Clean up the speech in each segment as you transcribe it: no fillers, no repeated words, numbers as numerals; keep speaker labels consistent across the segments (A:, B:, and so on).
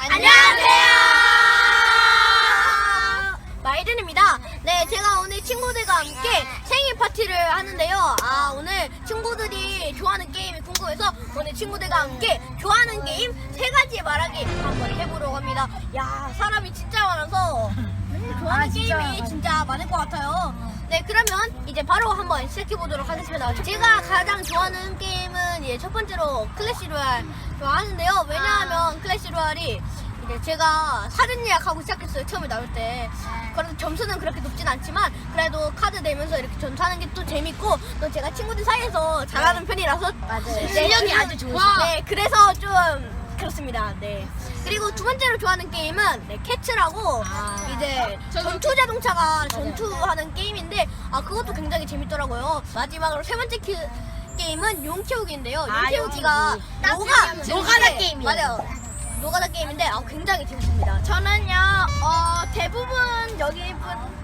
A: 안녕하세요. 마이든입니다. 네, 제가 오늘 친구들과 함께 생일 파티를 하는데요. 오늘 친구들이 좋아하는 게임이 궁금해서 오늘 친구들과 함께 좋아하는 게임 3가지 말하기 한번 해보려고 합니다. 야, 사람이 진짜 많아서 좋아하는 게임이 진짜 많을 것 같아요. 네, 그러면 이제 바로 한번 시작해보도록 하겠습니다. 제가 가장 좋아하는 게임은 이제 첫 번째로 클래시 로얄 좋아하는데요. 왜냐하면 클래시 로얄이 이제 제가 사전 예약하고 시작했어요. 처음에 나올 때. 그래도 점수는 그렇게 높진 않지만 그래도 카드 내면서 이렇게 전투하는 게 또 재밌고 또 제가 친구들 사이에서 잘하는 편이라서
B: 맞아요.
A: 실력이 아주 좋으시죠. 네, 그래서 좀 그렇습니다. 네. 그리고 두 번째로 좋아하는 게임은 캐츠라고 이제 전투 자동차가 전투하는 게임인데 그것도 굉장히 재밌더라고요. 마지막으로 세 번째 게임은 용 키우기인데요. 용 키우기가
B: 노가다 게임이에요.
A: 맞아요. 노가다 게임인데 굉장히 재밌습니다.
C: 저는요 대부분 여기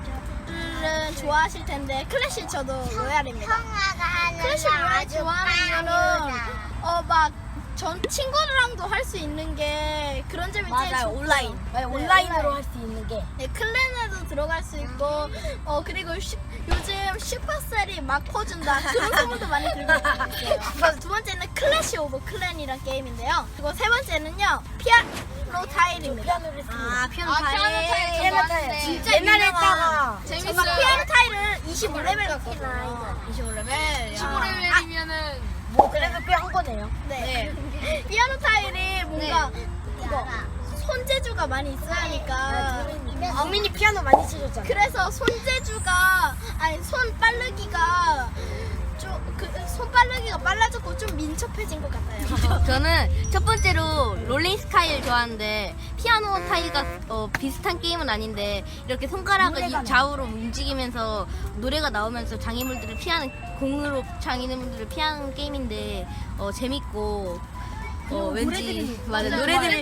C: 분들은 좋아하실 텐데 클래시 저도 로얄입니다. 클래시 로얄 좋아하는 이유는 막 전 친구들랑도 할 수 있는 게 그런 점이 제일
A: 맞아요.
C: 좋고.
A: 온라인.
C: 네,
B: 온라인으로 할 수 있는 게.
C: 네, 클랜에도 들어갈 수 있고 그리고 요즘 슈퍼셀이 막 퍼준다 그런 소문도 많이 들고 있어요. 두 번째는 클래시 오브 클랜이라는 게임인데요. 그리고 세 번째는요 피아노 타일입니다.
A: 피아노
C: 타일.
B: 피아노 타일.
A: 진짜
B: 옛날에
A: 유명한
B: 했다가
C: 제가 피아노 타일을 25레벨 갔거든요.
A: 25레벨.
C: 25레벨이면은
B: 뭐 그래도 꽤 한 거네요.
C: 네. 피아노 타일이 뭔가 이거 손재주가 많이 있어야 하니까
B: 국민이 피아노 많이 치셨잖아요.
C: 그래서 손재주가 손 빠르기가 손 빠르기가 빨라졌고 좀 민첩해진 것 같아요.
A: 저는 첫 번째로 롤링 스카이를 좋아하는데 피아노 타일과 비슷한 게임은 아닌데 이렇게 손가락을 좌우로 움직이면서 노래가 나오면서 장애물들을 피하는 공으로 장애물들을 피하는 게임인데 재밌고 왠지 맞아 노래를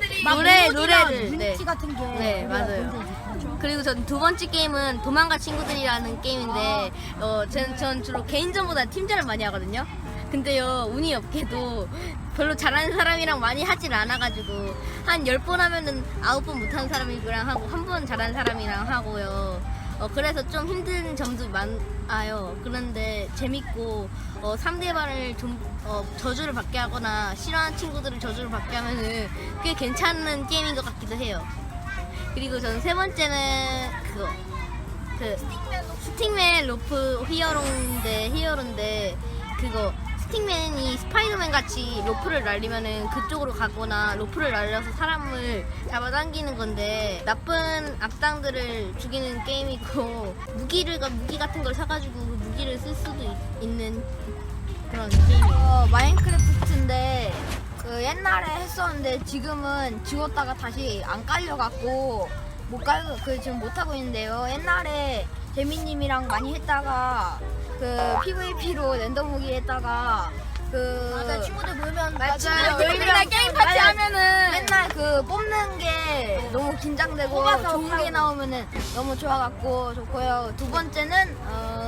B: 유니티 같은 게.
A: 네, 맞아요. 그리고 전 두 번째 게임은 도망가 친구들이라는 게임인데 전 주로 개인전보다 팀전을 많이 하거든요. 근데요 운이 없게도 별로 잘하는 사람이랑 많이 하질 않아가지고 한 10번 하면은 9번 못하는 사람이랑 하고 한 번 잘하는 사람이랑 하고요. 그래서 좀 힘든 점도 많아요. 그런데 재밌고 상대방을 좀 저주를 받게 하거나 싫어하는 친구들을 저주를 받게 하면은 꽤 괜찮은 게임인 것 같기도 해요. 그리고 저는 세 번째는 스틱맨 로프 히어로인데 그거 스틱맨이 스파이더맨 같이 로프를 날리면은 그쪽으로 가거나 로프를 날려서 사람을 잡아당기는 건데 나쁜 악당들을 죽이는 게임이고 무기 같은 걸 사가지고 그 무기를 쓸 수도 있는 그런 게임이에요.
D: 마인크래프트인데 옛날에 했었는데 지금은 지웠다가 다시 안 깔려갖고 지금 못 하고 있는데요. 옛날에 재민님이랑 많이 했다가 PVP로 랜덤 무기 했다가
A: 맞아 친구들 모이면
D: 저희랑
C: 게임 파티 하면은
D: 맨날 뽑는 게 너무 긴장되고 좋은 게 나오면은 너무 좋아갖고 좋고요. 두 번째는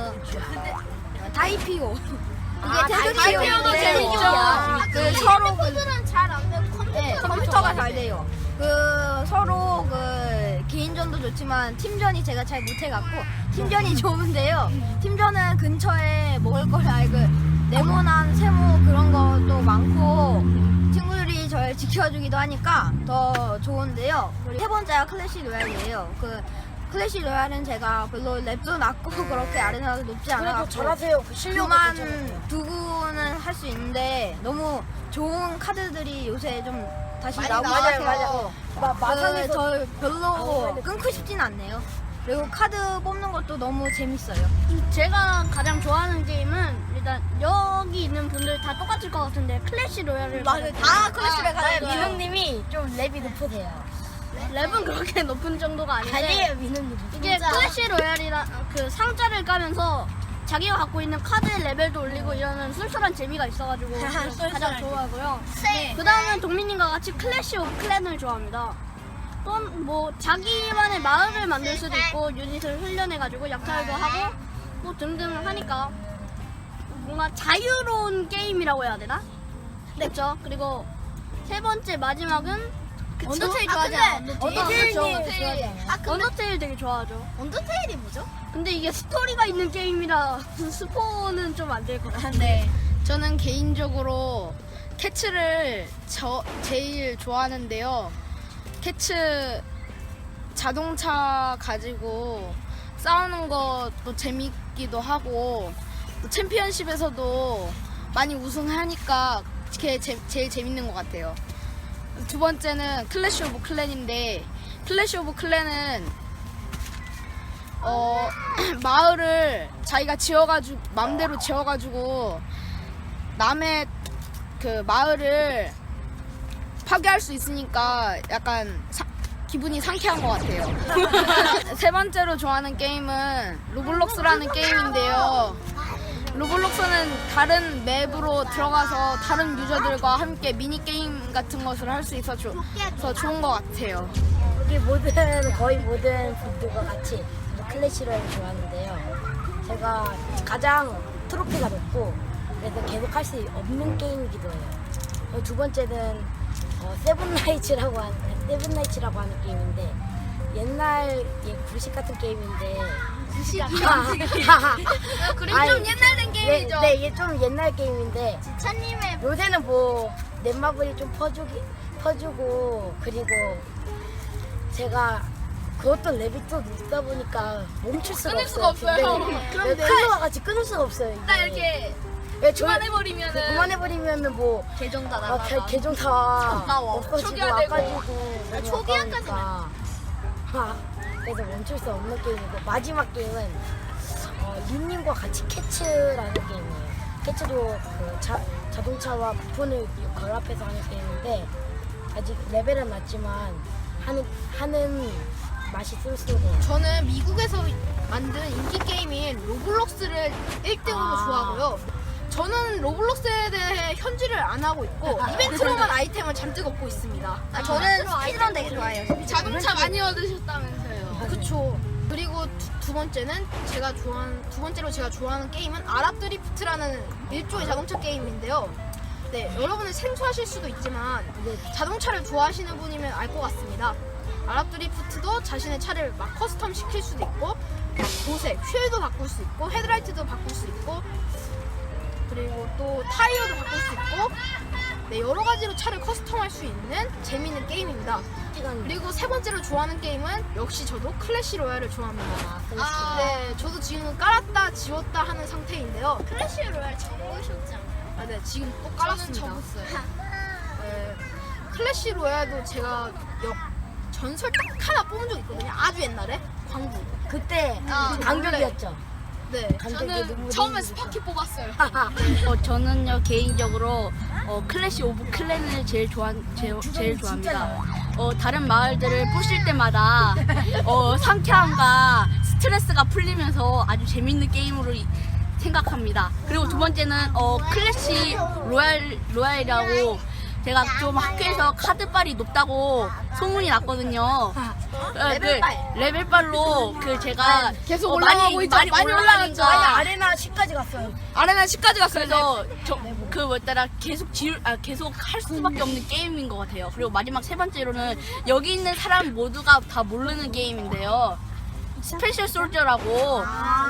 D: 다이피오. 이게
C: 다이피오도 재밌죠.
D: 서로
C: 친구들은 잘 안 되고
D: 컴퓨터가 잘 돼요. 서로 개인전도 좋지만 팀전이 제가 잘 못해갖고 팀전이 좋은데요. 팀전은 근처에 먹을 걸 알고 네모난 세모 그런 것도 많고 친구들이 저를 지켜주기도 하니까 더 좋은데요. 그리고 세 번째가 클래시 로얄이에요. 클래시 로얄은 제가 별로 랩도 낮고 그렇게 아레나도 높지
B: 그래도
D: 않아갖고
B: 잘하세요. 그 실력이
D: 그만
B: 괜찮아요.
D: 두고는 할 수 있는데 너무 좋은 카드들이 요새 좀 다시 나오고
B: 맞아요,
D: 있어요.
B: 마상에서
D: 저 별로 끊고 싶진 않네요. 그리고 카드 뽑는 것도 너무 재밌어요.
C: 제가 가장 좋아하는 게임은 일단 여기 있는 분들 다 똑같을 것 같은데 클래시 로얄을
A: 맞아요. 다 클래시를 가는 거예요.
B: 민웅님이 좀 랩이 높으세요.
C: 랩은 그렇게 높은 정도가 아닌데
B: 아니에요, 민웅님.
C: 이게 클래시 로얄이라 그 상자를 까면서 자기가 갖고 있는 카드의 레벨도 올리고 이러는 순수한 재미가 있어가지고 가장 좋아하고요. 그 다음은 동민님과 같이 클래시 오브 클랜을 좋아합니다. 또는 뭐 자기만의 마을을 만들 수도 있고 유닛을 훈련해가지고 약탈도 하고 뭐 등등 하니까 뭔가 자유로운 게임이라고 해야 되나? 그렇죠. 그리고 세 번째 마지막은
A: 언더테일
C: 아,
A: 좋아하지 않아요?
B: 언더테일님
C: 그쵸.
B: 좋아하지 않아요?
C: 언더테일 되게 좋아하죠.
A: 언더테일이 뭐죠?
C: 근데 이게 스토리가 있는 게임이라 스포는 좀 안 될 것 같아요.
A: 네.
E: 저는 개인적으로 캐츠를 제일 좋아하는데요. 캐츠 자동차 가지고 싸우는 것도 재밌기도 하고 또 챔피언십에서도 많이 우승하니까 그게 제일 재밌는 것 같아요. 두 번째는 클래시 오브 클랜인데 클래시 오브 클랜은 마을을 자기가 지어가지고 마음대로 지어가지고 남의 그 마을을 파괴할 수 있으니까 약간 기분이 상쾌한 것 같아요. 세 번째로 좋아하는 게임은 로블록스라는 게임인데요. 로블록스는 다른 맵으로 들어가서 다른 유저들과 함께 미니게임 같은 것을 할 수 있어서 좋은 것 같아요.
B: 여기 거의 모든 분들과 같이 클래시 로얄을 좋아하는데요. 제가 가장 트로피가 높고 그래서 계속 할 수 없는 게임이기도 해요. 두 번째는 세븐나이츠라고 하는 게임인데 옛날 구식 같은 게임인데
A: 그림 좀 옛날 된 게임이죠.
B: 네, 이게 좀 옛날 게임인데
A: 지찬님의
B: 요새는 뭐 넷마블이 좀 퍼주고 그리고 제가 그것도 랩이 또 늦다 보니까 멈출 수가
E: 끊을 수가
B: 없어요.
E: 없어요.
B: 그런데 클로와 같이 끊을 수가 없어요. 이게.
A: 딱 이렇게
B: 그만해버리면은 뭐
A: 계정 다
B: 아,
A: 나가.
B: 계정 다
A: 아까워.
B: 없어지고
A: 초기화되고.
B: 아까지고 너무
A: 초기화까지는.
B: 아까우니까. 그래서 멈출 수 없는 게임이고 마지막 게임은 린님과 같이 캐츠라는 게임이에요. 캐츠도 그 자동차와 부품을 결합해서 하는 게임인데 아직 레벨은 낮지만 하는 맛이 쏠쏠해요.
E: 저는 미국에서 만든 인기 게임인 로블록스를 1등으로 좋아하고요. 저는 로블록스에 대해 현질을 안 하고 있고 이벤트로만 아이템을 잔뜩 얻고 있습니다.
A: 저는 스피드런 되게 좋아해요.
E: 자동차 많이 얻으셨다면서요.
A: 그쵸.
E: 그리고 두 번째로 제가 좋아하는 게임은 아랍 드리프트라는 일종의 자동차 게임인데요. 네, 여러분은 생소하실 수도 있지만 자동차를 좋아하시는 분이면 알 것 같습니다. 아랍 드리프트도 자신의 차를 막 커스텀 시킬 수도 있고 도색, 휠도 바꿀 수 있고 헤드라이트도 바꿀 수 있고 그리고 또 타이어도 바꿀 수 있고 네, 여러 가지로 차를 커스텀할 수 있는 재미있는 게임입니다. 그리고 세 번째로 좋아하는 게임은 역시 저도 클래시 로얄을 좋아합니다. 네, 저도 지금 깔았다 지웠다 하는 상태인데요.
A: 클래시 로얄 접으셨지 않아요?
E: 네, 지금 또 깔았습니다. 네, 클래시 로얄도 제가 전설 딱 하나 뽑은 적 있거든요. 아주 옛날에 광부.
B: 그때 강격이었죠.
E: 네,
B: 저는
E: 처음에 스파키 뽑았어요.
C: 저는요 개인적으로 클래시 오브 클랜을 제일 좋아합니다. 다른 마을들을 부실 때마다 상쾌함과 스트레스가 풀리면서 아주 재밌는 게임으로 생각합니다. 그리고 두 번째는 클래시 로얄이라고 제가 좀 학교에서 카드빨이 높다고 소문이 났거든요. 레벨빨로 제가
E: 계속 올라가고 있죠. 많이 올라갔죠.
B: 아레나 10까지 갔어요.
E: 아레나 10까지 갔어요.
C: 그래서 계속 할 수밖에 없는 게임인 것 같아요. 그리고 마지막 세 번째로는 여기 있는 사람 모두가 다 모르는 게임인데요. 스페셜 솔저라고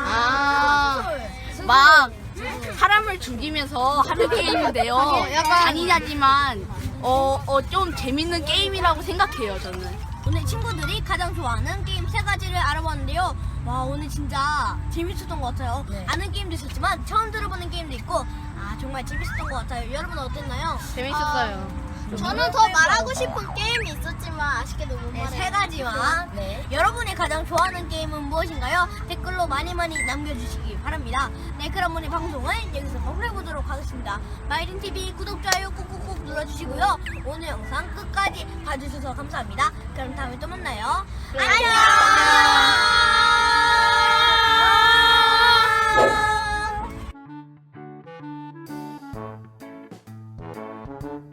C: 막 사람을 죽이면서 하는 게임인데요. 잔인하지만 좀 재밌는 게임이라고 생각해요. 저는.
A: 오늘 친구들이 가장 좋아하는 게임 세 가지를 알아봤는데요. 와, 오늘 진짜 재밌었던 것 같아요.
B: 네.
A: 아는 게임도 있었지만 처음 들어보는 게임도 있고 정말 재밌었던 것 같아요. 여러분 어땠나요?
E: 재밌었어요.
A: 저는 더 말하고 싶은 게임이 있었지만 아쉽게도 못 말해요. 세 가지만.
B: 네.
A: 여러분이 가장 좋아하는 게임은 무엇인가요? 댓글로 많이 남겨주시기 바랍니다. 네, 그럼 오늘 방송을 여기서 마무리해보도록 하겠습니다. 마이린TV 구독, 좋아요 꾹꾹꾹 눌러주시고요. 오늘 영상 끝까지 봐주셔서 감사합니다. 그럼 다음에 또 만나요. 안녕!